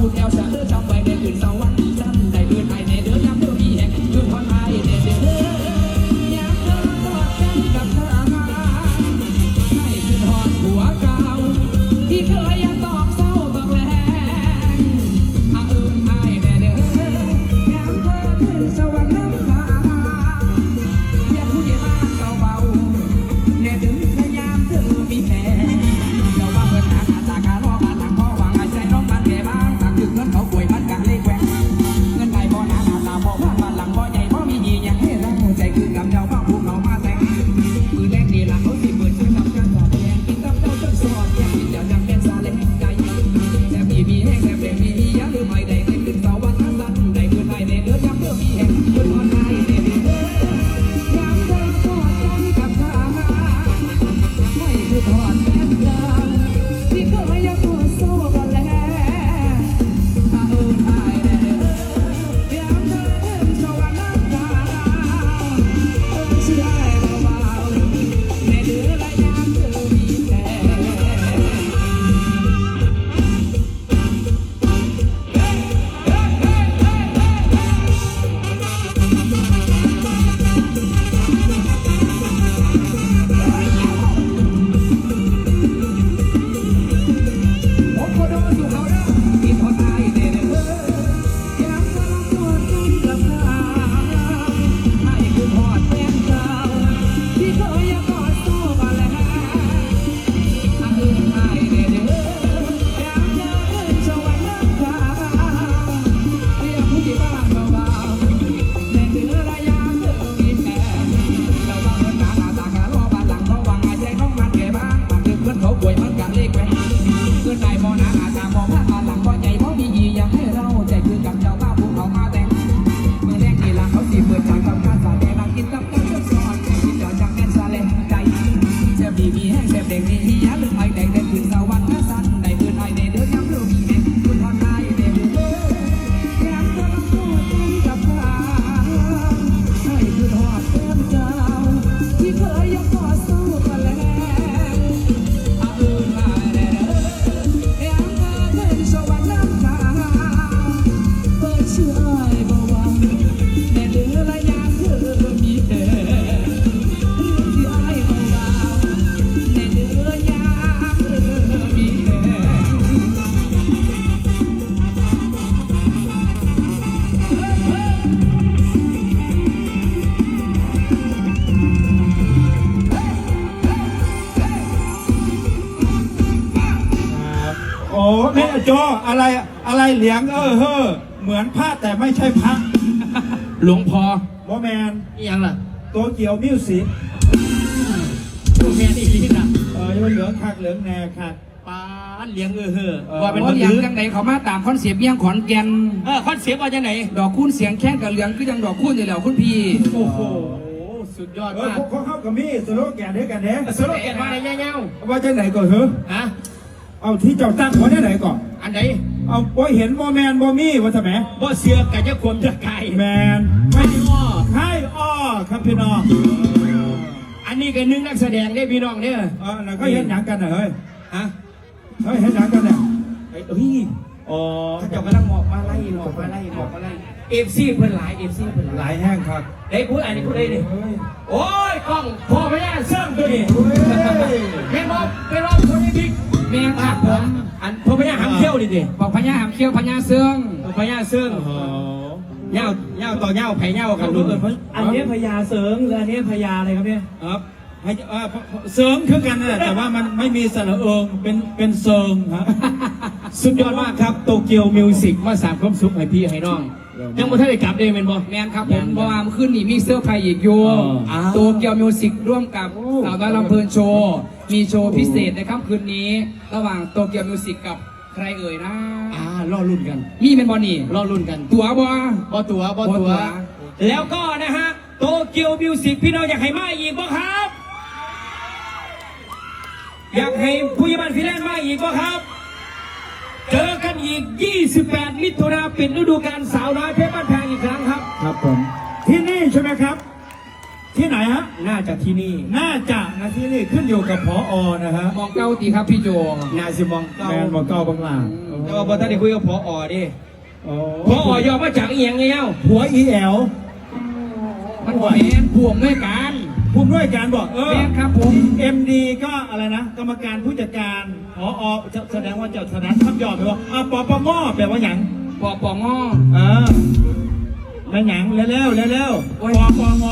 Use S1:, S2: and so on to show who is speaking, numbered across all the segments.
S1: พูดแล้วจะเลือกจำไว้ในคืนสวรรค์สั้นได้คืนไทยในเดือนย้ำเพื่อมีแห่งคืนคนไทยในเดือนย้ำเพื่อตอดกันกับเธอให้คืนหอดหัวเก่าที่เคยยังตอกเศร้าบอกแรงอาเอิญไอ้ในเดือนย้ำเพื่อคืนสวรรค์น้ำตาอยากพูดอย่างนั้นเบาๆในเดือนพยายามเธอมีแผลเราว่าเพื่อนหาตาการอกันหลังพ่อวางใจน้องมันแก่บ้างต่างถึงเงินเขาป่วยมันกันเลยแกว่งเงินไหนบ่หนาตาบ่ว่าบ้านหลังบ่ใหญ่บ่มียี่อย่างให้เราใจคือกำเจ้าบ้าพวกเรามาแต่งมือแรกนี่หลังเขาสิเปิดชื่อทำการแสดงกินกับเจ้าจนสอดแยกกินเดี๋ยวยังเป็นซาเล้งใจแต่มีแห้งแต่เปลี่ยนมีอย่าลืมไม่ได้ในคืนเสาร์วันสั้นได้คืนไทยในเดือนย้ำเพื่อมีแห่งคืนคนไทยในเดือนย้ำเพื่อทอดกันกับข้าไม่คือทอดแค่เดิมที่เคยยังตัวโซ่กันแล้วอาเอิญไอ้ในเดือนย้ำเพื่อคืนสวรรค์น้ำตาเชื่อให้เบาๆในเดือนและย้ำเพื่อมีแผล ผมก็โดนอยู่เขาเด้อที่คนไทยเด้อยังกำลังตัวกันกับเขาให้คือทอดแฟนเก่าที่เคยยังกอดสู้กันแล้วอาเอิญไอ้เด้อยังเจอเอิญสวรรค์น้ำตาเรียกผู้ที่บ้านเบาๆในเดือนระยะเธอมีแผลเราว่าเอิญตาตาการอบ้านหลังเขาวางใจของมันแก่บ้างบางทีเพื่อนเขาป่วยมันกันเลขแหวน เงินไหนบ่หนาตาบ่พลาดมาหลังบ่ใหญ่บ่มียี่อยากให้เราใจคือกับเจ้าบ้าพวกเขามาแต่งเมื่อแรกนี่หลังเขาสิเปิดจากทำการสาแดงกินกับเจ้าเจ้าสอนกินเดี๋ยวจังแม่นซาเล่ใจแซ่บดีมีแห้งแซ่บเด็กมีอย่าลืมไอ้แดงเด็กถึงสวรรค์สั้นได้คืนไอ้ในเดือนย้ำเรื่องมีแห่งคุณทอนไทยเด็กย้ำกำลังตัวกันกับเขาให้คือทอดเต็มเจ้าที่เคยยังกอดสู้กันแล้วอาเอิญไอ้เด้อ ยังเธอเดินสวรรค์น้ำตาเปิดชื่ออ้ายบ่หวังในเดือนระยะเธอมีแผลเรื่องที่อ้ายบ่เบาในเดือนยามเธอมีแผล
S2: โอ้แม่โจอะไรเหลียงเฮ้อเหมือนพระแต่ไม่ใช่พระ
S1: หลวงพ่อ
S2: โมแมน
S1: อีหยังล่ะ
S2: โตเกียวมิวสิก
S1: ผู้แม่นี่อีหยัง
S2: เหลืองคักเหลืองแน่คัก
S1: ป้าเลี้ยงว่าเป็น
S3: เพ
S1: คน
S3: ราะอย่าง
S1: ถือ
S3: จังไหนเขามาตามคอนเซปต์เมี่ยงขอนแก่น
S1: คอนเซปต์ว่าจังไหน
S3: ดอกคูณเสียงแข้งกับเหลืองคือยังดอกคูณอยู่แล้วคุณพี่
S1: โอ้โหสุดยอดมาก
S2: พวกเขากับมี่สโลแกนด้วยกันเนี่ย
S1: สโลแกนว่าอะไรเงี้ย
S2: ว่าจะไหนก่อนเหรอ
S1: ฮะ
S2: เอาที่เจ้าตั้งเขาได้ไหนก่อน
S1: อันไหน
S2: เอาบ่เห็นโมแมนโมมี่ว่าทำไม
S1: บ่เสือกกับจะควมจะไก่
S2: แมน
S1: ไม่อ้อ
S2: ให้อ้อครับพี่น้อง
S1: อันนี้ก็นึงนักแสดงได้พี่น้องเนี่ย
S2: แล้วก็เห็นหนังกันเหรอเฮ้ย
S1: ฮะ
S2: เห็นหนังกันเนี่ย
S1: เฮ้ย
S2: อ๋อ
S1: เขาจะกำลังหมอกมาไล่เอฟซีเพิ่นหลาย
S2: หลายแห้งครับ
S1: ได้พูดอันนี้พูดได้ดิโอ้ยกล้องพ่อพญาเสื่อมตัวนี้แม่บอกไปรอบคนนี้บิ๊ก
S3: แม่ครับผม
S1: อันพ่อพญาหำเขี้ยวดิดิ
S3: บอกพญาหามเขี้ยวพญาเสื่อง
S1: พ่อพญาเสื่อมเง่าต่อเง่าไผ่เง่ากันดูกัน
S4: อันนี้พญาเสริงหรืออันนี้พญาอะไรครับเนี่ย
S2: ครับเสริมคือกันนะแต่ว่ามันไม่มีสระเอิงเป็นเสริงครับ
S1: สุดยอดมากครับโตเกียวมิวสิกมาสามความสุขให้พี่ให้น้องยังบ่ทันได้กลับเด้แม่นบ่
S3: แมนครับผมเพราะว่าเมื่อคืนนี้มีเสื้อร์ไพรส์อีกอยู่โตเกียวมิวสิกร่วมกับสาวน้อยลำเพลินโชว์มีโชว์พิเศษในค่ำคืนนี้ ระหว่างโตเกียวมิวสิกกับใครเอ่ยนะ
S1: รอรุ่นกัน
S3: มีเป็นบอลนี่
S1: รอรุ่นกัน
S3: ตัวบอ
S1: บ่ตัวแล้วก็นะฮะโตเกียวมิวสิกพี่น้องอยากให้มาอีกบ่ครับ อยากให้ผู้ใหญ่บ้านฟิแลนซ์มาอีกบ่ครับ เจอกันอีก 28 มิถุนายนปิดฤดูกาลสาวน้อยเพชรบ้านแพงอีกครั้งครับ
S2: ครับผมที่นี่ใช่ไหมครับที่ไหนฮะ
S4: น่าจะที่นี่
S2: น่าจะนะที่นี่ขึ้นอยู่กับผอนะฮะ
S3: มองเก้าตีครับพี่โจ
S4: น่าสิมองเก้า
S2: แมนบอกเก้าบางหลา
S4: แต่ว่าพอท่านได้คุยกับพอดิ
S2: โอ้
S4: พอยอมมาจากอีหยังไงเอ้า
S2: หัวอีแอล
S3: มันหัวแมนพ่วงด้วยกัน
S2: ผู้ด้วยการบอก
S3: แมนครับผม
S2: MD ก็อะไรนะ กรรมการผู้จัดการผอแสดงว่าเจ้าสนัดคำยอดไปว่าปปงแปลว่าหยัง
S3: ปอปองอ
S2: แม่หยังเร็วๆเร็วๆปปง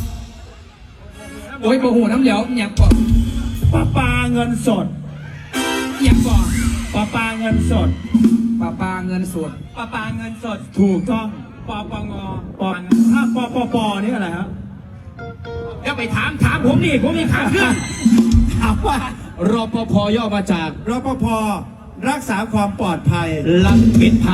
S3: โอ้ยโมโหน้ำเหลวอยากปอ
S2: ปาเงินสด
S3: อยากปอ
S2: ปาเงินสด
S3: ปาเงินสด
S4: ปาเงินสด
S2: ถูกต้อง
S4: ปปง
S2: ถ้าปนี่อะไรฮะ
S4: เดี๋ยวไปถามผมนี่ผมมีข่าวขึ้น
S2: ถามว่าร
S4: ปภย่อมาจาก
S2: รปภรักษาความปลอดภัย
S4: ลังมิตรพระ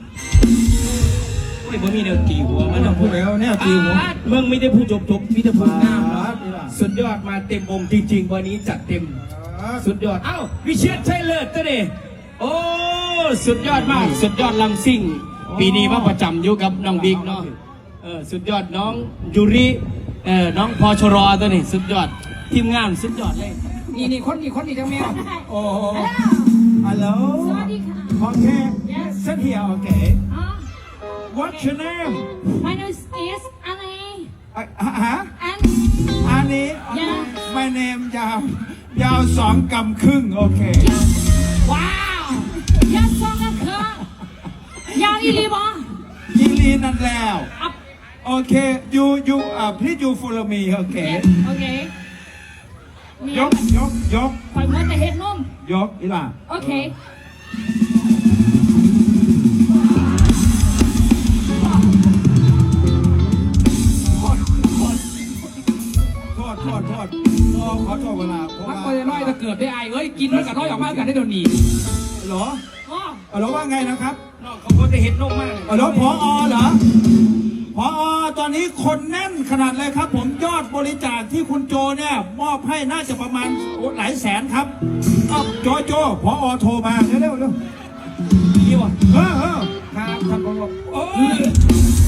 S4: ไม่ผมมีเดินตีหัวมันต้องพูด
S2: แล้วเนี่ยจริงผม
S4: มึงไม่ได้พูดจบมีแต่พูดงามเนาะ
S2: อ่า
S4: สุดยอดมาเต็มองค์จริงๆวันนี้จัดเต็ม สุดยอด เอ้าวิเชียรชัยเลิศตัวดิโอ้ สุดยอดมาก สุดยอดลำซิ่ง ปีนี้มาประจำอยู่กับน้องบิ๊กเนาะ สุดยอดน้องยูริน้องพอชรอตัวนี้สุดยอด ทีมงานสุดยอดเลย
S3: นี่คนนี้จังแมว
S2: โอ้ฮัลโหล
S5: สวัสดีค่ะ
S2: โอเค sit here okay what's your name
S5: My name is Annie
S2: ฮะ
S5: and
S2: อันนี้
S5: Yeah.
S2: my name ยาว2 กำครึ่งโอเค
S5: ว้าวยัดซองกันคือยาวอีหลีบอ
S2: ยิงลีนั่นแล้ว
S5: อัพ
S2: โอเค you please you follow me โอเค
S5: โอเคนี่
S2: ยก
S5: ปล่อยมันแต่เห็ดนุ่ม
S2: ยกอีหล่ะ
S5: โอเค
S2: โทษขอโทษเวลาเพราะ
S3: พัก
S2: ว่า
S3: ไปน้อยจะเกิดได้ไอ้เอ้ยกินมันกับน้อยออกมากันได้เดี๋ยวนี้
S2: เหรอ
S5: อ๋อ
S2: เหรอว่าไงนะครับ
S4: น้องเขาก็จะเห็นนกมาก
S2: เหรอผอเหรอผอตอนนี้คนแน่นขนาดเลยครับ ผมยอดบริจาคที่คุณโจเนี่ยมอบให้น่าจะประมาณหลายแสนครับโจผอโทรมาเร็ว
S4: ดีว่ะ
S2: เออ
S3: ครับท่านผอ
S2: โอ้ย